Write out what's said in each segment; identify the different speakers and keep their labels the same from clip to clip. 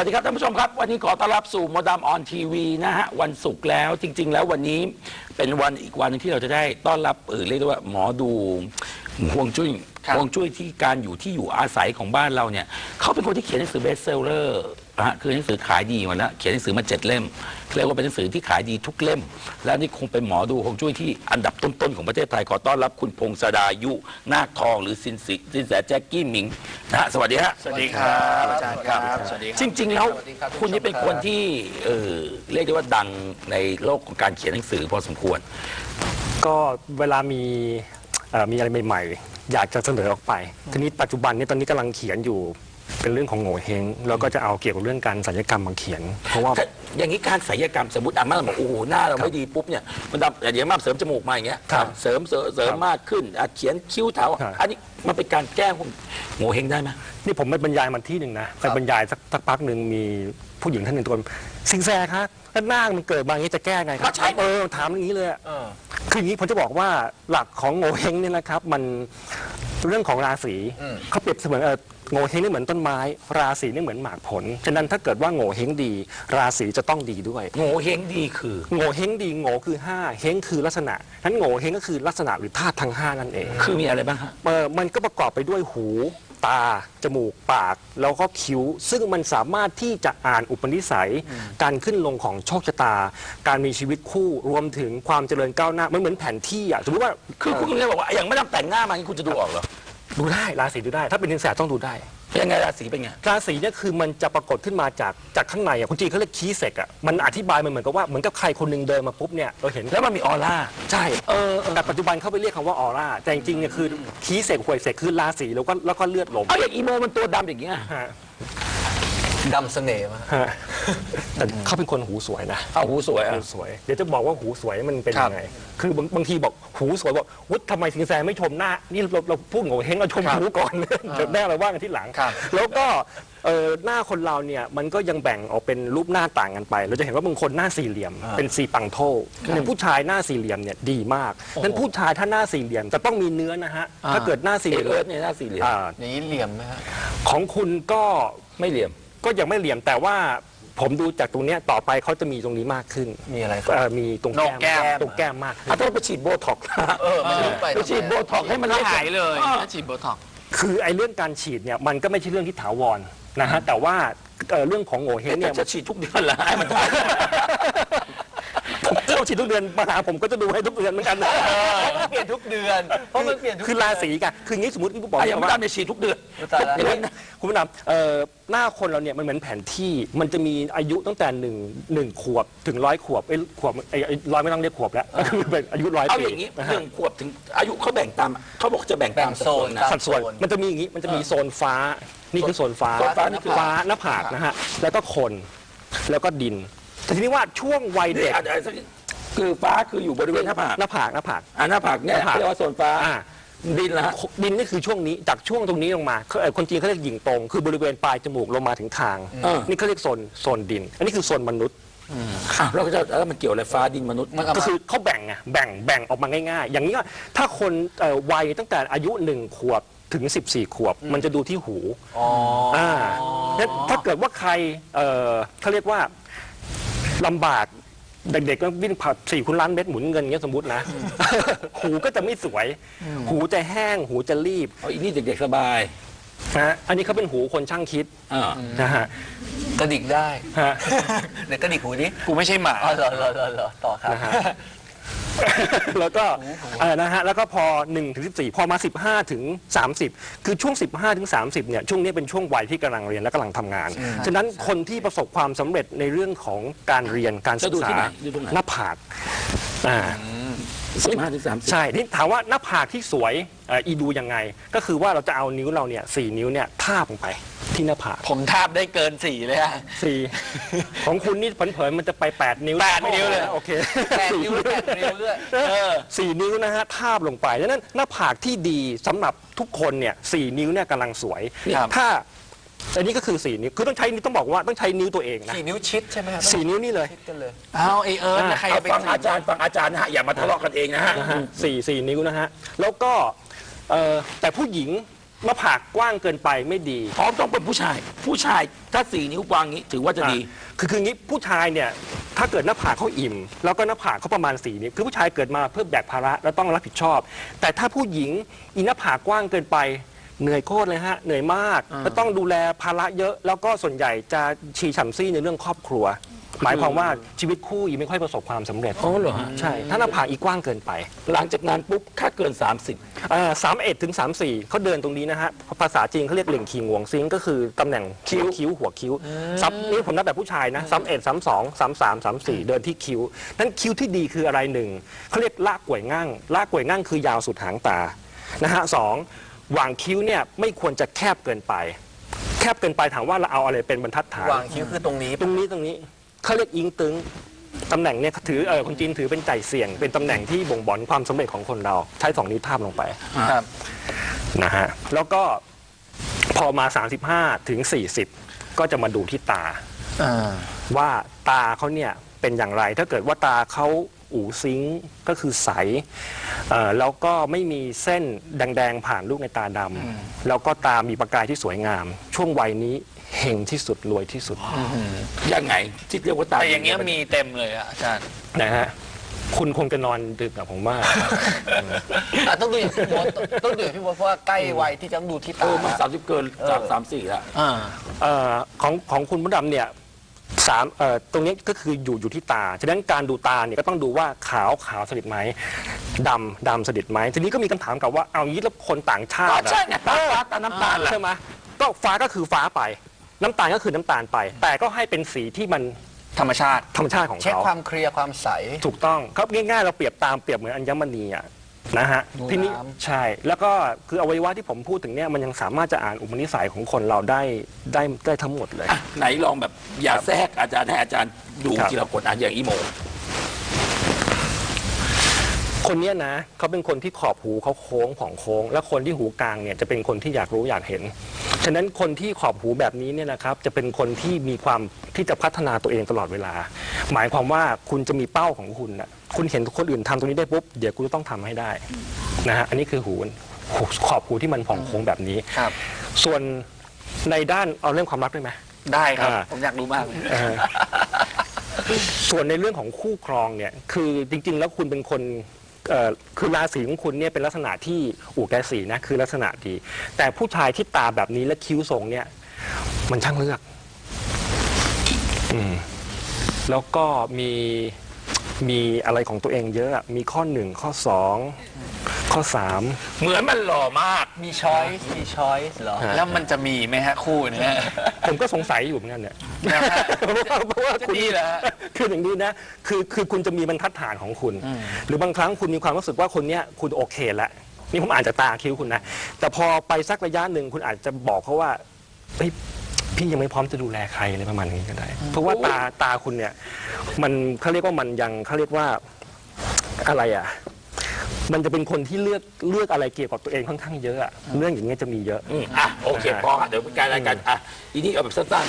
Speaker 1: วัสดีครับท่านผู้ชมครับวันนี้ขอต้อนรับสู่มดดำออนทีวีนะฮะวันศุกร์แล้วจริงๆแล้ววันนี้เป็นวันอีกวันนึงที่เราจะได้ต้อนรับเรียกได้ว่าหมอดูฮวงจุ้ยที่การอยู่อาศัยของบ้านเราเนี่ยเขาเป็นคนที่เขียนหนังสือเบสเซลเลอร์คือหนังสือขายดีหมดแล้วเขียนหนังสือมา7 เล่มเรียกว่าเป็นหนังสือที่ขายดีทุกเล่มและนี่คงเป็นหมอดูฮวงจุ้ยที่อันดับต้นๆของประเทศไทยขอต้อนรับคุณพงศดายุนาคทองหรือสินแสแจ็คกี้หมิงนะฮะสวัสดีฮะ
Speaker 2: สวัสดีครับอาจารย์ครับสวัสดีครับ
Speaker 1: จริงๆแล้วคุณนี่เป็นคนที่เรียกได้ว่าดังในโลกของการเขียนหนังสือพอสมควร
Speaker 3: ก็เวลามีอะไรใหม่ๆอยากจะเสนอออกไปทีนี้ปัจจุบันนี้ตอนนี้กำลังเขียนอยู่เป็นเรื่องของโง่เฮงแล้วก็จะเอาเกี่ยวกับเรื่องการศัลยกรรมมาเขียนเพราะว่า
Speaker 1: อย่างนี้การศัลยกรรมสมมติอาม่าบอกโอ้โหหน้าเราไม่ดีปุ๊บเนี่ยมันดำอย่างมาเสริมจมูกมาอย่างเงี้ยเสริมมากขึ้นเขียนคิ้วเถาอันนี้มันเป็นการแก้โง่เฮงได้ไหม
Speaker 3: นี่ผมไปบรรยายมันที่หนึ่งนะไปบรรยายสักพักหนึ่งมีผู้หญิงท่านหนึ่งตะโกนสิงแสครับแล้วหน้ามันเกิดมาอย่างนี้จะแก้ไงครับถามอย่างนี้เลยคืออย่างนี้ผมจะบอกว่าหลักของโง่เฮงเนี่ยนะครับมันเรื่องของราศีเขาเปรียบเสมือนโง่เฮงนี่เหมือนต้นไม้ราศีนี่เหมือนหมากผลฉะนั้นถ้าเกิดว่าโง่เฮงดีราศีจะต้องดีด้วย
Speaker 1: โง่เฮงดีคือ
Speaker 3: โง่เฮงดีโง่คือ5เฮงคือลักษณะนั้นโง่เฮงก็คือลักษณะหรือธาตุทั้ง5นั่นเอง
Speaker 1: คือมีอะไรบ้างฮะ
Speaker 3: มันก็ประกอบไปด้วยหูตาจมูกปากแล้วก็คิ้วซึ่งมันสามารถที่จะอ่านอุปนิสัยการขึ้นลงของโชคชะตาการมีชีวิตคู่รวมถึงความเจริญก้าวหน้ามันเหมือนแผนที่สมมติว่า
Speaker 1: คือคุณเลยบอกว่าอย่างไม่ต้องแต่งหน้ามาคุณจะดูออกเหรอ
Speaker 3: ดูได้ราศีดูได้ถ้าเป็นสินแสต้องดูได้
Speaker 1: ยังไงราศีเป็นไง
Speaker 3: ราศีเนี่ยคือมันจะปรากฏขึ้นมาจากข้างในคุณจีเขาเรียกคีย์เซกมันอธิบายมันเหมือนกับว่าเหมือนกับใครคนหนึ่งเดินมาปุ๊บเนี่ยเราเห็น
Speaker 1: แล้วมันมีออร่า
Speaker 3: ใช่แต่ปัจจุบันเขาไปเรียกคำว่าออร่าแต่จริงๆเนี่ยคือคีย์เซกหวยเซกคือราศีแล้วก็เลือดลม
Speaker 1: อย่างอีโมมันตัวดำอย่างเงี้ย
Speaker 2: ดำเสน่ห์มาก
Speaker 3: แต่เขาเป็นคนหูสวยนะ
Speaker 1: หูสวย
Speaker 3: เดี๋ยวจะบอกว่าหูสวยมันเป็นยังไงคือบางทีบอกหูสวยบอกวุฒิทำไมสิงแสไม่ชมหน้านี่เราพูดโง่เฮงเราชมหูก่อนเดี๋ยวแน่เราว่ากันที่หลังแล้วก็หน้าคนเราเนี่ยมันก็ยังแบ่งออกเป็นรูปหน้าต่างกันไปเราจะเห็นว่าบางคนหน้าสี่เหลี่ยมเป็นสีปังโทอย่างผู้ชายหน้าสี่เหลี่ยมเนี่ยดีมากนั้นผู้ชายถ้าหน้าสี่เหลี่ยมแต่ต้องมีเนื้อนะฮะถ้าเกิดหน้าสี่เหลี่ยม
Speaker 1: เนี่ยหน้าสี่เหลี่ยม
Speaker 2: อย่างนี้เหลี่ยมไหมฮะ
Speaker 3: ของคุณก็
Speaker 1: ไม่เหลี่ยม
Speaker 3: ก็ยังไม่เหลี่ยมแต่ว่าผมดูจากตรงนี้ต่อไปเขาจะมีตรงนี้มากขึ้น
Speaker 2: มีอะไร
Speaker 3: มีตรงแก้มมากขึ้น
Speaker 1: ต้องไปฉีดโบท็อกซ์ไปฉีดโบท็อกซ์ให้มัน
Speaker 2: หายเลยถ้าฉีดโบท็อกซ์
Speaker 3: คือไอ้เรื่องการฉีดเนี่ยมันก็ไม่ใช่เรื่องที่ถาวรนะฮะแต่ว่าเรื่องของโง่เฮงเนี่ย
Speaker 1: จะฉีดทุกเดือนเหรอให้มัน
Speaker 3: เราฉีดทุกเดือนมาหาผมก็จะดูให้ทุกเดือนเหมือนกันนะ
Speaker 2: เปลี่ยนทุกเดือนเพราะมันเปลี่ยน
Speaker 3: คือราศีกันคืองี้สมมติที่ผมบอก
Speaker 1: อย่างไม่ได้ฉีดทุกเดือน
Speaker 3: คุณผู้นำหน้าคนเราเนี่ยมันเหมือนแผนที่มันจะมีอายุตั้งแต่1 ขวบถึง100 ขวบ100ไม่ต้องเรียกขวบแล้วคือเป็นอายุ100 ปี
Speaker 1: เอาอย่างนี้1 ขวบถึงอายุเขาแบ่งตามเขาบอกจะแบ่งตามโซน
Speaker 3: สัดส่วนมันจะมีอย่างนี้มันจะมีโซนฟ้านี่คือโซนฟ้านี่คือฟ้าหน้าผากนะฮะแล้วก็คนแล้วก็ดินแต่ทีนี้ว่าช่วงวัยเด็ก
Speaker 1: คือฟ้าคืออยู่บริเวณหน้าผาก
Speaker 3: หน้าผาก
Speaker 1: หน้าผากเนี่ยเรียกว่าโซนฟ้าดินละ
Speaker 3: ดินนี่คือช่วงนี้จากช่วงตรงนี้ลงมาคนจีนเขาเรียกหยิ่งตรงคือบริเวณปลายจมูกลงมาถึงคางนี่เขาเรียกโซนดินอันนี้คือโซนมนุษย์
Speaker 1: เราก็จะแล้วมันเกี่ยวอะไรฟ้าดินมนุษย์
Speaker 3: ก็คือเขาแบ่งออกมาง่ายๆอย่างนี้ถ้าคนวัยตั้งแต่อายุ1 ขวบถึง14 ขวบมันจะดูที่หูถ้าเกิดว่าใครเขาเรียกว่าลำบากเด็กๆก็วิ่งผ่า4 คูณล้านเม็ดหมุนเงินเงี้ยสมมตินะหูก็จะไม่สวยหูจะแห้งหูจะรีบ
Speaker 1: อีนี่เด็กๆสบาย
Speaker 3: นะอันนี้เขาเป็นหูคนช่างคิดนะฮะ
Speaker 2: กระดิกได้เดี๋ยวกระดิกหูนี้กูไม่ใช่หมาเหรอต่อครับ
Speaker 3: แล้วก็นะฮะแล้วก็พอ1 ถึง 14พอมา15 ถึง 30คือช่วง15 ถึง 30เนี่ยช่วงนี้เป็นช่วงวัยที่กำลังเรียนและกำลังทำงานฉะนั้นคนที่ประสบความสำเร็จในเรื่องของการเรียนการศึกษาหน้าผาก
Speaker 1: 15 ถึง 30
Speaker 3: ใช่ที่ถามว่าหน้าผากที่สวยดูยังไงก็คือว่าเราจะเอานิ้วเราเนี่ย4 นิ้วเนี่ยทาบลงไปที่หน้าผาก
Speaker 2: ผมทาบได้เกิน4เลยฮะ
Speaker 3: 4ของคุณนี่เผยมันจะไป8 นิ้ว
Speaker 2: 8 นิ้วเลย
Speaker 3: โอเค
Speaker 2: 8 นิ้ว8 นิ้วด้วย
Speaker 3: 4 นิ้วนะฮะทาบลงไปดังนั้นหน้าผากที่ดีสำหรับทุกคนเนี่ย4 นิ้วเนี่ยกำลังสวยถ้าอันนี้ก็คือ4 นิ้วคือต้องใช้นิ้วต้องบอกว่าต้องใช้นิ้วตัวเองนะ
Speaker 2: 4 นิ้วชิดใช่ไหมครับ
Speaker 3: 4 นิ้วนี่เลย
Speaker 2: เอาใคร
Speaker 1: ไปฟังอาจารย์นะฮะอย่ามาทะเลาะกันเองนะฮะ
Speaker 3: 4 นิ้วนะฮะแล้วก็แต่ผู้หญิงหน้าผากกว้างเกินไปไม่ดี
Speaker 1: อ๋อต้องเป็นผู้ชาย ผู้ชายถ้า4 นิ้วกว้างนี้ถือว่าจะดี
Speaker 3: คืองี้ผู้ชายเนี่ยถ้าเกิดหน้าผากเขาอิ่ม แล้วก็หน้าผากเขาประมาณ4 นิ้วคือผู้ชายเกิดมาเพื่อแบกภาระแล้วต้องรับผิดชอบ แต่ถ้าผู้หญิงหน้าผากกว้างเกินไปเหนื่อยโคตรเลยฮะเหนื่อยมากแล้วต้องดูแลภาระเยอะแล้วก็ส่วนใหญ่จะชีฉ่ำซี่ในเรื่องครอบครัว หมายความว่าชีวิตคู่อีไม่ค่อยประสบความสำเร็จ
Speaker 1: อ๋อเหรอฮะ
Speaker 3: ใช่ถ้าหน้าผากอีกว้างเกินไป
Speaker 1: หลังจากนั้นปุ๊บค่าเกิน
Speaker 3: 31 ถึง 34เขาเดินตรงนี้นะฮะภาษาจีนเขาเรียกเหล่งคีงวงซิงก็คือตำแหน่งคิ้วหัวคิ้วซ้ำนี่ผมนับแบบผู้ชายนะ31 32 33 34เดินที่คิ้วนั้นคิ้วที่ดีคืออะไรหนึ่งเขาเรียกลากกวยง่างลากกวยง่างคือยาวสุดหางตานะฮะสองหว่างคิ้วเนี่ยไม่ควรจะแคบเกินไป แคบเกินไปถามว่าเราเอาอะไรเป็นบรรทัดฐาน
Speaker 2: วางคิ้วคือตรงนี้
Speaker 3: ตรงนี้เขาเรียกอิงตึงตำแหน่งเนี่ยถือคนจีนถือเป็นใจเสี่ยง เป็นตำแหน่งที่บ่งบอกความสำเร็จของคนเราใช้2 นิ้วทาบลงไป
Speaker 2: ครับ
Speaker 3: นะฮะแล้วก็พอมา35 ถึง 40 ก็จะมาดูที่ตาว่าตาเขาเนี่ยเป็นอย่างไรถ้าเกิดว่าตาเขาอู่ซิงก็คือใสแล้วก็ไม่มีเส้นแดงๆผ่านลูกในตาดำแล้วก็ตามีประกายที่สวยงาม ช่วงวัยนี้เฮงที่สุดรวยที่สุด
Speaker 1: ยังไงที่เรียกว่าตา
Speaker 2: แต่อย่างเงี้ยมีเต็มเลยอะอาจารย์
Speaker 3: นะฮะคุณคงจะนอนดึกกับผมว่า
Speaker 2: ต้องดูอย่างพี่มดต้องดูอย่างพี่มดเพราะว่าใกล้วัยที่จะต้องดูที่ตา
Speaker 1: มัน30 เกินจาก34แล้ว
Speaker 3: ของคุณมดดำเนี่ยตรงนี้ก็คืออยู่ที่ตาฉะนั้นการดูตาเนี่ยก็ต้องดูว่าขาวสนิทไหมดำสนิทไหมทีนี้ก็มีคำถามกับว่าเอางี้แล้วคนต่างชา
Speaker 1: ก็
Speaker 3: ติ
Speaker 1: ใช่ไงตาฟ้าตาน้ำตาลแหละ
Speaker 3: ใช่ไหมก็ฟ้าก็คือฟ้าไปน้ำตาลก็คือน้ำตาลไป แต่ก็ให้เป็นสีที่มัน
Speaker 2: ธรรมชาติ
Speaker 3: ธรรมชาติของ
Speaker 2: เช็ค
Speaker 3: เขา
Speaker 2: ความเคลียร์ความใส
Speaker 3: ถูกต้องครับง่ายๆเราเปรียบเหมือนอัญมณีอ่ะนะฮะ
Speaker 2: ดู
Speaker 3: ทีนี้
Speaker 2: น้ำ
Speaker 3: ใช่แล้วก็คืออวัยวะที่ผมพูดถึงเนี่ยมันยังสามารถจะอ่านอุปนิสัยของคนเราได้ทั้งหมดเลย
Speaker 1: อ่ะไหนลองแบบอย่าแทรกอาจารย์ให้อาจารย์ดู
Speaker 3: ครับ
Speaker 1: ทีละคนอ่ะอย่างอีโม
Speaker 3: คนเนี้ยนะเขาเป็นคนที่ขอบหูเขาโค้งผ่องโค้ง และคนที่หูกลางเนี่ยจะเป็นคนที่อยากรู้อยากเห็นฉะนั้นคนที่ขอบหูแบบนี้เนี่ยนะครับจะเป็นคนที่มีความที่จะพัฒนาตัวเองตลอดเวลา หมายความว่าคุณจะมีเป้าของคุณนะคุณเห็นคนอื่นทำตรงนี้ได้ปุ๊บเดี๋ยวคุณต้องทำให้ได้นะฮะอันนี้คือหูขอบหูที่มันผ่องโค้งแบบนี้
Speaker 2: ครับ
Speaker 3: ส่วนในด้านเอาเรื่องความรักได้ไหม
Speaker 2: ได้ครับ
Speaker 3: อ่า
Speaker 2: ผมอยากรู้มากเลย
Speaker 3: ส่วนในเรื่องของคู่ครองเนี่ยคือจริงๆ แล้วคุณเป็นคนคือราศีของคุณเนี่ยเป็นลักษณะที่อู่แกสีนะคือลักษณะดีแต่ผู้ชายที่ตาแบบนี้และคิ้วทรงเนี่ยมันช่างเลือกแล้วก็มีอะไรของตัวเองเยอะอะมีข้อ1ข้อ2ข้อ3
Speaker 1: เหมือนมันหล่อมาก
Speaker 2: มีช้อยส์เหรอ แล้วมันจะมีไหมฮะคู่เนี้ย
Speaker 3: ผมก็สงสัยอยู่เหมือนกันเนี่ย
Speaker 2: นะฮะ
Speaker 3: เพราะว่า
Speaker 2: จะ
Speaker 3: คุณ
Speaker 2: ดีเหรอฮะ
Speaker 3: คืออย่างนี้นะคือคุณจะมีบรรทัดฐานของคุณ หรือบางครั้งคุณมีความรู้สึกว่าคนเนี้ยคุณโอเคแล้วนี่ผมอ่านจากตาคิ้วคุณนะแต่พอไปสักระยะหนึ่งคุณอาจจะบอกเขาว่าเฮ้ยพี่ยังไม่พร้อมจะดูแลใครเลยประมาณนี้ก็ได้ เพราะว่าตาคุณเนี่ยมันเขาเรียกว่ามันยังเขาเรียกว่าอะไรอ่ะมันจะเป็นคนที่เลือกอะไรเกี่ยวกับตัวเองค่อนข้างเยอะอะเรื่องอย่างเงี้ยจะมีเยอะ
Speaker 1: อ่ะโอเคพอเดี๋ยวเป็นการรายการอ่ะอีนี่เอาแบบสั้น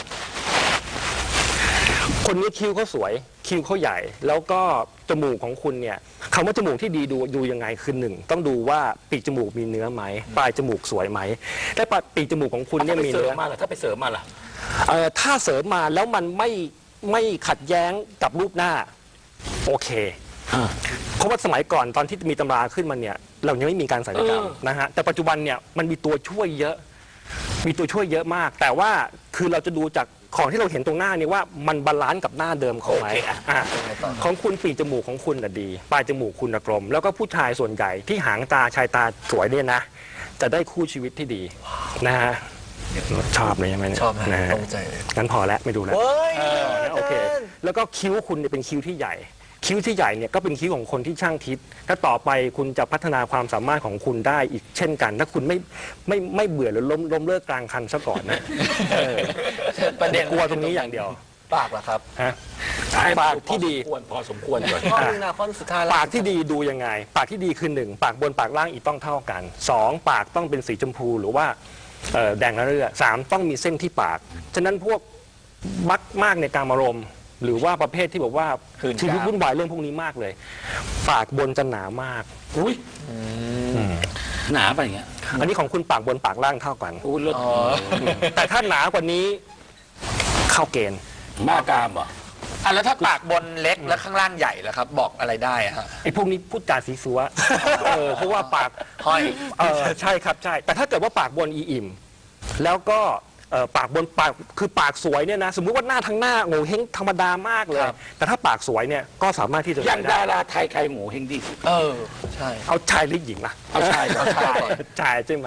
Speaker 3: คนนี้คิ้วเขาสวยคิ้วเขาใหญ่ แล้วก็จมูกของคุณเนี่ยคำว่าจมูกที่ดีดูยังไงคือหนึ่งต้องดูว่าปีกจมูกมีเนื้อไหมปลายจมูกสวยไหมและปีกจมูกของคุณ
Speaker 1: ๆ
Speaker 3: เนี่ย
Speaker 1: ถ้าไป
Speaker 3: มี
Speaker 1: เสริ
Speaker 3: เนื้
Speaker 1: ม
Speaker 3: อ
Speaker 1: มาล่ะถ้าไปเสริมมาล่ะ
Speaker 3: ถ้าเสริมมาแล้วมันไม่ขัดแย้งกับรูปหน้าโอเคเพราะว่าสมัยก่อนตอนที่มีตำราขึ้นมาเนี่ยเรายังไม่มีการศัลยกรรมนะฮะแต่ปัจจุบันเนี่ยมันมีตัวช่วยเยอะมาก แต่ว่าคือเราจะดูจากของที่เราเห็นตรงหน้านี่ว่ามันบาลานซ์กับหน้าเดิมเขาไหม
Speaker 1: โอเคอ่ะ
Speaker 3: ของคุณปีกจมูกของคุณน่ะดีปลายจมูกคุณน่ะกลม แล้วก็ผู้ชายส่วนใหญ่ที่หางตาชายตาสวยเนี่ยนะ จะได้คู่ชีวิตที่ดีนะฮะชอบเลยใช่ไหมเนี่ย
Speaker 2: ชอบนะ
Speaker 3: ฮะ
Speaker 2: ตรงใจเลย
Speaker 3: งั้นพอแล้วไม่ดูแล้ว
Speaker 2: เฮ้ย
Speaker 3: โอเค แล้วก็คิ้วคุณเนี่ยเป็นคิ้วที่ใหญ่ คิ้วที่ใหญ่เนี่ยก็เป็นคิ้วของคนที่ช่างคิดถ้าต่อไปคุณจะพัฒนาความสามารถของคุณได้อีกเช่นกัน ถ้าคุณไม่เบื่อหรือล้มเลิกกลางคันซะก่อนนะ
Speaker 2: ประเด็น
Speaker 3: กลัวตรงนี้อย่างเดียว
Speaker 2: ปากเหรอครับ
Speaker 3: ฮะ
Speaker 1: ให้
Speaker 3: ปากที่ดี
Speaker 1: พอสมควรก่อน
Speaker 2: ข้อหนึงนะข้อสุดท้าย
Speaker 3: ปากที่ดีดูยังไง ปากที่ดีคือ1ปากบนปากล่างอีกต้องเท่ากัน2ปากต้องเป็นสีชมพูหรือว่าแดงระเรื่อ3ต้องมีเส้นที่ปากฉะนั้นพวกมักมากในการอารมณ์หรือว่าประเภทที่บอกว่าชีวิตวุ่นวายเรื่องพวกนี้มากเลย ปากบนจะหนามาก
Speaker 1: อุ้ยหนาไปอย่างเงี้ย
Speaker 3: อันนี้ของคุณปากบนปากล่างเท่ากัน
Speaker 1: อู้เลิศ
Speaker 3: แต่ถ้าหนากว่านี้เข้าเกณฑ์
Speaker 1: บ้ากามเหรอ
Speaker 2: อ่ะแล้วถ้าปากบนเล็กแล้วข้างล่างใหญ่ล่ะครับ บอกอะไรได้อะฮะ
Speaker 3: ไอ้พวกนี้พูดจาสีสัวเพราะว่าปาก
Speaker 2: ห้อย
Speaker 3: ใช่ครับใช่ แต่ถ้าเกิดว่าปากบนอิ่มแล้วก็ปากบนปากคือปากสวยเนี่ยนะสมมุติว่าหน้าทั้งหน้าโง่เฮงธรรมดามากเลย แต่ถ้าปากสวยเนี่ยก็สามารถที่จะ
Speaker 1: อย่าง
Speaker 3: ได้
Speaker 1: ดาราไทยใครหมูเฮงดีสุด
Speaker 2: ใช่
Speaker 3: เอาชายหรือหญิงล่ะ
Speaker 1: เอาชายเอาชาย
Speaker 3: ชายใช่ไหม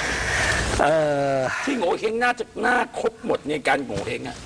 Speaker 1: ที่โง่เฮงน่าจะหน้าครบหมดในการโง่เฮงอะ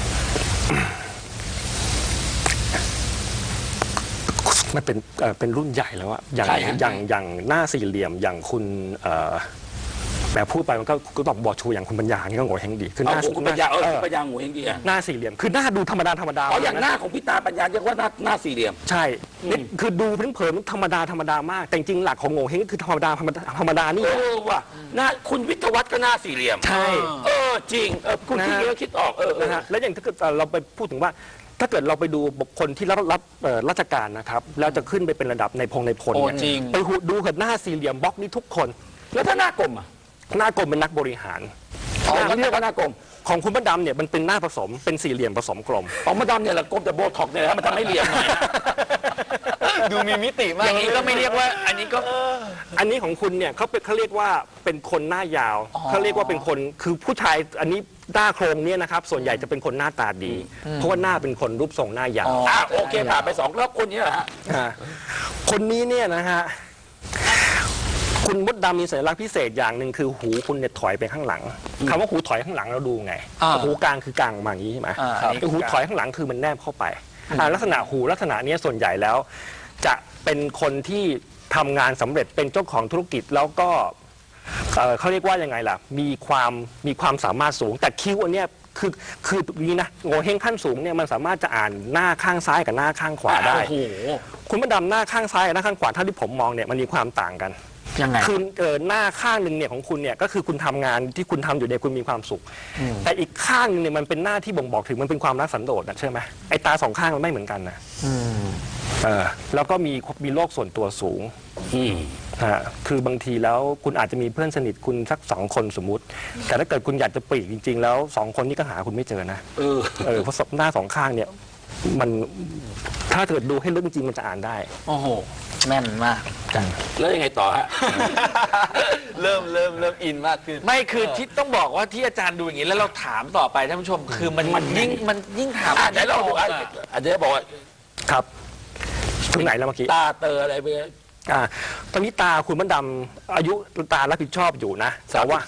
Speaker 3: มันเป็นรุ่นใหญ่แล้วอะอย่าง
Speaker 1: ใช่ฮะ
Speaker 3: อย่างหน้าสี่เหลี่ยมอย่างคุณแบบพูดไปมันก็ต้องบอกชูอย่างคุณปัญญานี่ก็โง่เฮงดีคือห
Speaker 1: เอา
Speaker 3: น้า
Speaker 1: คุณปัญญาคุณปัญญาโง่เฮงดีอะ
Speaker 3: หน้าสี่เหลี่ยมคือหน้าดูธรรมดา
Speaker 1: อ๋ออย่างหน้าของพี่ตาปัญญาเรียกว่าหน้าสี่เหลี่ยม
Speaker 3: ใช่นี่คือดูเผินๆธรรมดามาก แต่จริงๆหลักของโง่เฮงก็คือธรรมดานี่
Speaker 1: ว่ะหน้าคุณวิทยาวัฒน์ก็หน้าสี่เหลี่ยม
Speaker 3: ใช่
Speaker 1: จริงคุณคิดเยอะคิดออก
Speaker 3: นะฮะแล้วอย่างถ้าเกิดเราไปพูดถึงว่า ถ้าเกิดเราไปดูบุคคลที่รับราชการนะครับแล้วจะขึ้นไปเป็นระดับในพลเนี่ย
Speaker 2: จริง
Speaker 3: ไปดูเกิดหน้าสี่เหลี่ยมบล็อกนี่ทุกคน
Speaker 1: แล้วถ้าหน้ากลมอ่ะ
Speaker 3: หน้ากลมเป็นนักบริหาร
Speaker 1: เรียกว่าหน้ากลม
Speaker 3: ของคุณพระดำเนี่ยมันเป็นหน้าผสมเป็นสี่เหลี่ยมผสมกลม
Speaker 1: ของมาดามเนี่ยแหละกลมแต่โบท็อกเนี่ยมันทำให้เหลี่ยมหน่อย
Speaker 2: ดูมีมิติมากอย่างนี้ก็ไม่เรียกว่า อันนี้ก็
Speaker 3: อันนี้ของคุณเนี่ยเขาเรียกว่าเป็นคนหน้ายาวเขาเรียกว่าเป็นคนคือผู้ชายอันนี้หน้าโครงเนี่ยนะครับส่วนใหญ่จะเป็นคนหน้าตาดี เพราะว่าหน้าเป็นคนรูปทรงหน้ายาว
Speaker 1: โอเคผ่านไป2แล้วคนนี้เหรอฮะ
Speaker 3: คนนี้เนี่ยนะฮะคุณมดดำมีสัญลักษณ์พิเศษอย่างหนึ่งคือหูคุณเนี่ยถอยไปข้างหลังคำว่าหูถอยข้างหลังเราดูไงหูกลางคือกลางมาอย่างนี้ใช่ไหมหูถอยข้างหลังคือมันแนบเข้าไปลักษณะหูลักษณะนี้ส่วนใหญ่แล้ว จะเป็นคนที่ทำงานสำเร็จเป็นเจ้าของธุรกิจแล้วก็เขาเรียกว่ายังไงล่ะมีความสามารถสูงแต่คิ้วอันเนี้ยคือนี้นะโง่เฮงขั้นสูงเนี่ยมันสามารถจะอ่านหน้าข้างซ้ายกับหน้าข้างขวาได้คุณมดดำหน้าข้างซ้ายกับหน้าข้างขวาถ้าที่ผมมองเนี่ยมันมีความต่างกัน
Speaker 2: ยังไง
Speaker 3: คือหน้าข้างหนึ่งเนี่ยของคุณเนี่ยก็คือคุณทำงานที่คุณทำอยู่เนี่ยคุณมีความสุข แต่อีกข้างหนึงเนี่ยมันเป็นหน้าที่บ่งบอกถึงมันเป็นความรักสันโดษนะใช่ไหมไอ้ตาสองข้างมันไม่เหมือนกันนะแล้วก็มีโรคส่วนตัวสูงคือบางทีแล้วคุณอาจจะมีเพื่อนสนิทคุณสัก2 คนสมมุติ แต่ถ้าเกิดคุณอยากจะปลีกจริง ๆ แล้ว2 คนนี้ก็หาคุณไม่เจอนะเพราะหน้า2 ข้างเนี่ยมันถ้าเกิดดูให้ลึกจริงๆมันจะอ่านได้
Speaker 2: โอ้โหแม่นมาก
Speaker 1: แล้วยังไงต่อฮะ
Speaker 2: เริ่มอินมากขึ้นไม่คือที่ต้องบอกว่าที่อาจารย์ดูอย่างนี้แล้วเราถามต่อไปท่านผู้ชมคือมันยิ่งถาม
Speaker 1: เดี๋ยวเราดูเดี๋ยวบอกว่า
Speaker 3: ครับถึงไหนแล้วเมื่อกี้
Speaker 1: ตาเตออะไรไป
Speaker 3: ตอนนี้ตาคุณมดดำอายุตารับผิดชอบอยู่นะแต่ว่า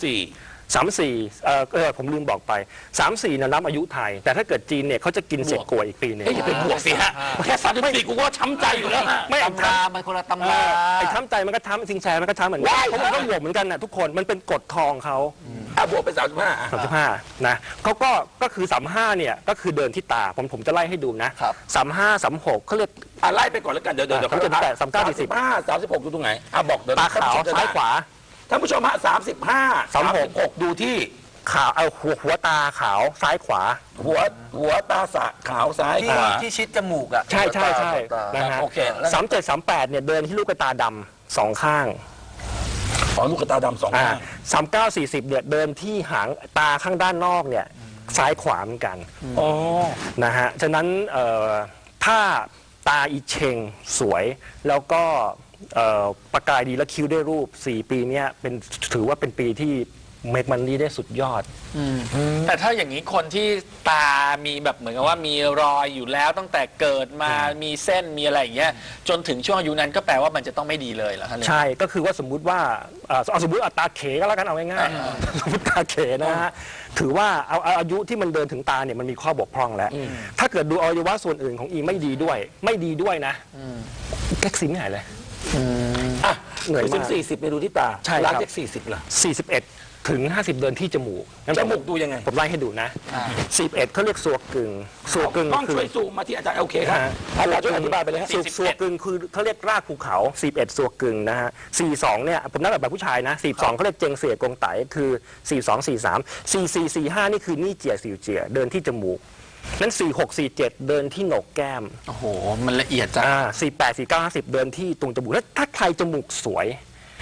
Speaker 3: 34ผมลืมบอกไป34เนี่ยนับอายุไทย แต่ถ้าเกิดจีนเนี่ยเขาจะกินเศษกล้วยอีกปีนึง
Speaker 1: อย่าไปบวกสิฮะแค่34กูก็ช้ำใจอยู่แล้วฮะ
Speaker 3: ไม่
Speaker 2: ตำรามันคนละตำรา
Speaker 3: ไอ้ช้ำใจมันก็ช้ำสิงแชมันก็ช้ำเหมือนกันเพราะมันก็บวกเหมือนกันนะทุกคนมันเป็นกฎทองเขา
Speaker 1: บวกไป
Speaker 3: 35นะเขาก็คือ35เนี่ยก็คือเดินที่ตาผมจะไล่ให้ดูนะ35 36เขาเรียก
Speaker 1: ไล่ไปก่อนแล้วกันเดี๋ยว
Speaker 3: เขาจะแต่39 40
Speaker 1: 36ดูตรงไหนบอกเดี๋ยว
Speaker 3: ตาขาวซ้ายขวา
Speaker 1: ท่านผู้ชมฮะ35 36ดูที่
Speaker 3: ขาวหัวตาขาวซ้ายขวา
Speaker 1: หัวตาขาวซ้ายขวา
Speaker 2: ที่ชิดจมูกอ่ะ
Speaker 3: ใช่นะฮะ37 38เนี่ยเดินที่ลูกตาดำ2 ข้าง
Speaker 1: ลูกตาดำ2 ข้าง
Speaker 3: 39 40เนี่ยเดินที่หางตาข้างด้านนอกเนี่ยซ้ายขวาเหมือนกันนะฮะฉะนั้นถ้าตาอีเชงสวยแล้วก็ประกายดีและคิ้วได้รูป4 ปีนี้ถือว่าเป็นปีที่เมกมันนี่ได้สุดยอด
Speaker 2: แต่ถ้าอย่างนี้คนที่ตามีแบบเหมือนกับว่ามีรอยอยู่แล้วตั้งแต่เกิดมามีเส้นมีอะไรอย่างเงี้ยจนถึงช่วงอายุนั้นก็แปลว่ามันจะต้องไม่ดีเลยเหรอครับ
Speaker 3: ใช่ก็คือว่าสมมุติว่าสมมุติตาเขก็แล้วกันเอาง่ายๆสมมติตาเขนะฮะถือว่าเอาอายุที่มันเดินถึงตาเนี่ยมันมีข้อบกพร่องแล้วถ้าเกิดดูอวัยวะส่วนอื่นของอีไม่ดีด้วยนะแก๊กซิมไม่หายเลย
Speaker 1: เหนื่อยมาก40ไปดูที่ตา
Speaker 3: ใช่ครับ
Speaker 1: 40ล่ะ
Speaker 3: 41 ถึง 50 เดินที่จมูก
Speaker 1: ดูยังไง
Speaker 3: ผมไล่ให้ดูนะ41เขาเรียกสัวกึ่ง
Speaker 1: ต้องช่วยซูมมาที่อาจารย์โอเคครับอาจารย์ช่วยอธิบายไปเลยฮะ
Speaker 3: สัวกึ่งคือเขาเรียกรากภูเขา41สัวกึ่งนะฮะ42เนี่ยผมนับแบบผู้ชายนะ42เขาเรียกเจงเสียกงไตคือ42 43 44 45นี่คือนี่เจียสิวเจียเดินที่จมูกนั้น46 47เดินที่โหนกแก้ม
Speaker 2: โอ้โหมันละเอียดจัง
Speaker 3: 48 49 50เดินที่ตรงจมูกแล้วถ้าใครจมูกสวย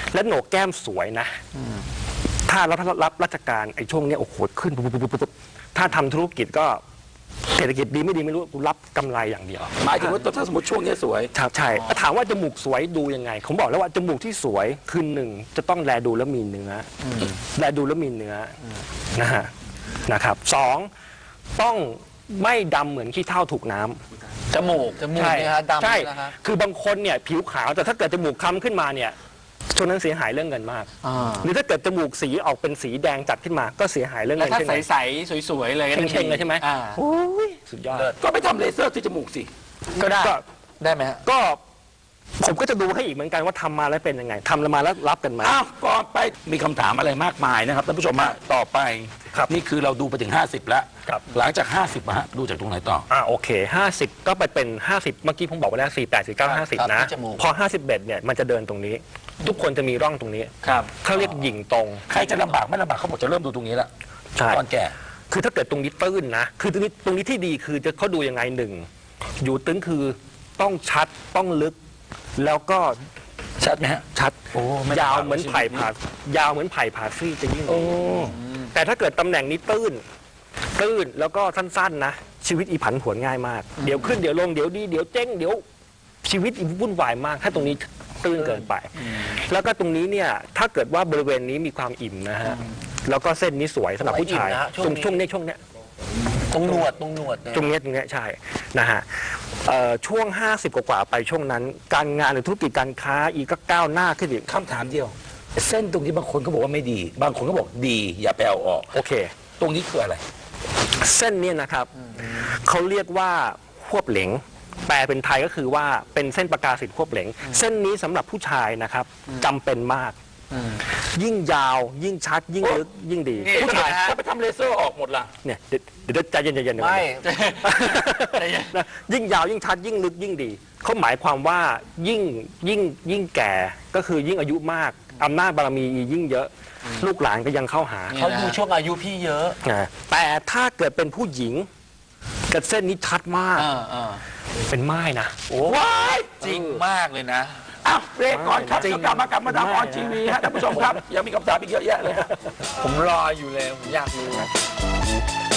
Speaker 3: และโหนกแก้มสวยนะถ้ารับราชการไอ้ช่วงเนี้ยโอ้โหขึ้นปุ๊บถ้าทำธุรกิจก็เศรษฐกิจดีไม่ดีไม่รู้กูรับกำไรอย่างเดียว
Speaker 1: หมายถึงว่าถ้าสมมติช่วงนี้สวย
Speaker 3: ครับใช่ถามว่าจมูกสวยดูยังไงผมบอกแล้วว่าจมูกที่สวยคือหนึ่งจะต้องแลดูแล้วมีเนื้อแลดูแล้วมีเนื้อนะฮะนะครับสองต้องไม่ดำเหมือนขี้เถ้าถูกน้ำ
Speaker 2: จมูก
Speaker 3: ใช่
Speaker 2: เนี่ยฮะดำ
Speaker 3: ใช่
Speaker 2: นะฮะ
Speaker 3: คือบางคนเนี่ยผิวขาวแต่ถ้าเกิดจมูกคล้ำขึ้นมาเนี่ยช่วงนั้นเสียหายเรื่องเงินมาก หรือถ้าเกิดจมูกสีออกเป็นสีแดงจัดขึ้นมาก็เสียหายเรื่อง
Speaker 2: แล้ว
Speaker 3: เงิน
Speaker 2: ถ้า
Speaker 3: เช่นกัน
Speaker 2: ใสๆสวยๆเลยก็
Speaker 3: เชงๆเลยใช่ไหม
Speaker 2: อ่า
Speaker 3: โอ้ยสุดยอด
Speaker 1: ก็ไปทำเลเซอร์ที่จมูกสิ
Speaker 2: ก็ได้
Speaker 3: ก็
Speaker 2: ได้ไหมฮะ
Speaker 3: ก็ผมก็จะดูให้อีกเหมือนกันว่าทำมาแล้วเป็นยังไงทำมาแล้วรับกันไหม
Speaker 1: อ้าวก่อนไปมีคำถามอะไรมากมายนะครับท่านผู้ชมฮะต่อไป
Speaker 3: ครับ
Speaker 1: นี่คือเราดูไปถึง 50 แล้ว
Speaker 3: ครับ
Speaker 1: หลังจาก 50ฮะดูจากตรงไหนต่อ
Speaker 3: โอเค50ก็ไปเป็น50เมื่อกี้ผมบอกไปแล้ว48 49 50นะ
Speaker 2: ที่จมูก
Speaker 3: พอ51เนี่ยมันจะเดินตรงนี้ ทุกคนจะมีร่องตรงนี้
Speaker 2: ครับ
Speaker 3: เขาเรียกหยิ่งตรง
Speaker 1: ใครจะลำบากไม่ลำบากเขาบอกจะเริ่มดูตรงนี้แล้ว
Speaker 3: ใช่
Speaker 1: ตอนแก่
Speaker 3: คือถ้าเกิดตรงนี้ตื้นนะ คือตรงนี้ที่ดีคือจะเขาดูยังไงหนึ่ง อยู่ตึงคือต้องชัดต้องลึก แล้วก็
Speaker 1: ชัดไหมฮะ
Speaker 3: ชัด
Speaker 1: โอ้ไม่
Speaker 3: ยาว
Speaker 1: ลำบาก
Speaker 3: เหมือนไผ่ผ่ายาวเหมือนไผ่ผ่าซี่จะยิ่ง
Speaker 1: โอ้
Speaker 3: ดีแต่ถ้าเกิดตำแหน่งนี้ตื้นแล้วก็สั้นๆนะ ชีวิตอีผันผวนง่ายมาก เดี๋ยวขึ้นเดี๋ยวลงเดี๋ยวดีเดี๋ยวเจ๊งเดี๋ยวชีวิตอีวุ่นวายมาก ถ้าตรงนี้ตื้นเกินไป แล้วก็ตรงนี้เนี่ยถ้าเกิดว่าบริเวณนี้มีความอิ่มนะฮะแล้วก็เส้นนี้สวยสำหรับผู้ชาย
Speaker 2: อิ่มนะฮะ
Speaker 3: ช่วงนี้
Speaker 2: ตรงหนวดเนี่ย
Speaker 3: ตรงเนี้ยใช่นะฮะช่วง 50 กว่าๆไปช่วงนั้น การงานหรือธุรกิจการค้าอีกก็ก้าวหน้าขึ้นอีก
Speaker 1: คำถามเดียว เส้นตรงนี้บางคนก็บอกว่าไม่ดี บางคนก็บอกดี อย่าไปเอาออก
Speaker 3: โอเค
Speaker 1: ตรงนี้คืออะไร
Speaker 3: เส้นเนี้นะครับเขาเรียกว่าควบเหลงแปลเป็นไทยก็คือว่าเป็นเส้นประกาศิทธิ์ควบเหลงเส้นนี้สำหรับผู้ชายนะครับจำเป็นมาก ยิ่งยาวยิ่งชัดยิ่งลึกยิ่งดี
Speaker 2: นี่
Speaker 3: ผู้ชาย
Speaker 1: ถ้าไปทำเลเซอร์ออกหมดล่ะ
Speaker 3: เนี่ยเดี๋ยวใจเย็นๆ
Speaker 2: ไม่
Speaker 3: นะยิ่งยาวยิ่งชัดยิ่งลึกยิ่งดีเขาหมายความว่ายิ่งแก่ก็คือยิ่งอายุมากอำนาจบารมียิ่งเยอะ ลูกหลานก็ยังเข้าหา
Speaker 2: เขาดูช่วงอายุพี่เยอะ
Speaker 3: นะแต่ถ้าเกิดเป็นผู้หญิงกับเส้นนี้ชัดมากเป็นไม้นะ
Speaker 1: ว้าย
Speaker 2: จริงมากเลยนะ
Speaker 1: อ้าวเบรกก่อนครับ
Speaker 3: จริง
Speaker 1: เดี๋ยวกลับมากับมาดามออนทีวีฮะท่านผู้ชมครับ ยังมีคำถามอีกเยอะแยะเลยฮะ
Speaker 2: ผมรออยู่เลย ผมอยากรู้